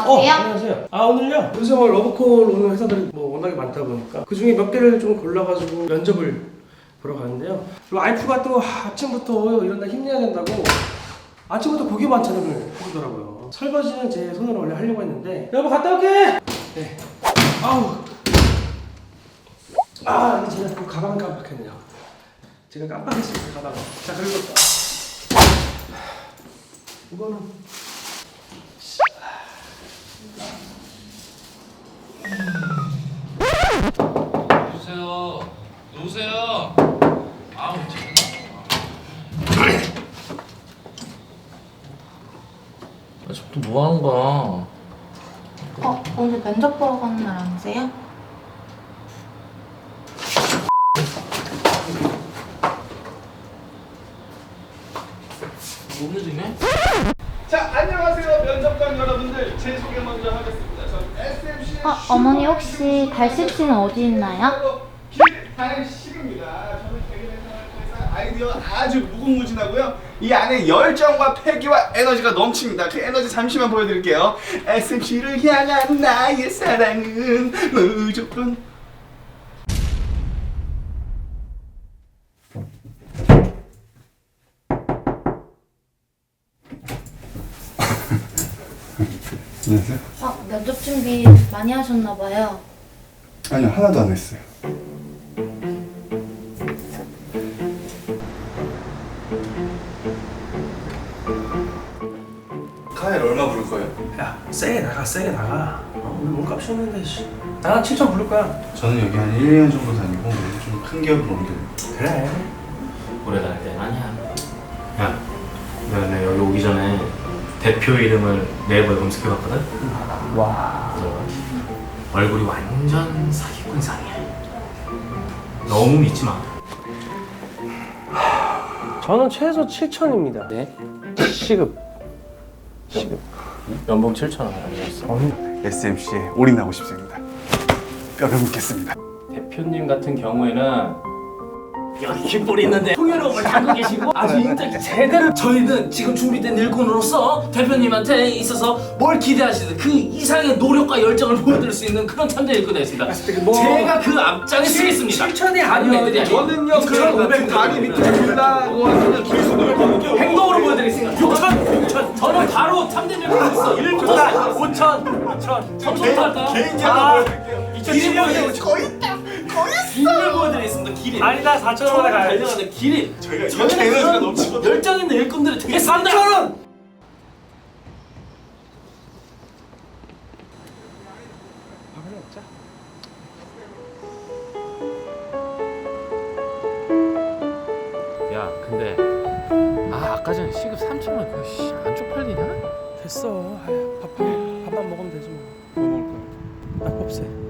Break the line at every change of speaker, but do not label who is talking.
안녕하세요.
안녕하세요. 오늘요? 요새 러브콜 오는 회사들이 워낙에 많다 보니까 그 중에 몇 개를 좀 골라가지고 면접을 보러 가는데요. 와이프가 또 아침부터 이런 날 힘내야 된다고 아침부터 고기 반찬을 해주더라고요. 설거지는 제 손으로 원래 하려고 했는데 여보 갔다 올게! 네. 이게 제가 또 가방 깜빡했네요. 제가 깜빡했습니다, 가방. 자, 그리고 이거는
누구세요? 누구세요? 아우 저또 뭐 하는 거야?
오늘 면접 보러 가는 날 아니세요?
뭔 일이네?
자, 안녕하세요 면접관 여러분들. 제 소개 먼저 하겠습니다. 전 SMC
어머니 혹시 달식씨는 어디 있나요?
김달식입니다. 저는 개그맨 아이디어 아주 무궁무진하고요. 이 안에 열정과 패기와 에너지가 넘칩니다. 그 에너지 잠시만 보여드릴게요. SMC를 향한 나의 사랑은 무조건
안녕하세요.
면접 준비 많이 하셨나봐요.
아니요, 하나도 안 했어요. 카엘 얼마 부를 거예요?
야, 세게 나가. 오늘 몸값이 없는데, 씨. 나 7천 부를 거야.
저는 여기 한 1년 정도 다니고 좀 큰 기업으로 옮겨요.
그래.
오래 다닐 때는 아니야. 야, 내가 여기 오기 전에 대표 이름을 네이버에 검색해봤거든?
와.
얼굴이 완전 사기꾼 상이야. 너무 믿지 마.
저는 최소 7천입니다.
네?
시급.
연봉 7,000원 아니었어.
SMC에 올인하고 싶습니다. 뼈를 묻겠습니다.
대표님 같은 경우에는 여기 깃볼이 있는데 풍요로움을 담고 계시고 아주 인적 제대로 저희는 지금 준비된 일꾼으로서 대표님한테 있어서 뭘 기대하시든 그 이상의 노력과 열정을 보여드릴 수 있는 그런 참전 일꾼이 되겠습니다. 제가 그 앞장에 서겠습니다.
7천이
아니면
아니면
저는요
6,500
다리 밑에 준다고 하면 길수
행동으로 보여드리겠습니다. 6천. 저는 바로 참전 일꾼 있어. 1부터 5천. 3천부터 할까요?
개인적으로
길이 보여드리겠습니다. 길을 보여드리겠습니다. 길이.
아니다, 4천 원에 가야지.
달려가는 길이.
저희가 에너지가 넘치고
열정 있는 일꾼들이 되게 싼다. 3,000원.
야, 근데 아까 전에 시급 3,000원 그거 안 쪽팔리냐?
됐어. 밥만 먹으면 되지 뭐.
뭐 먹을 거야?
밥 없애.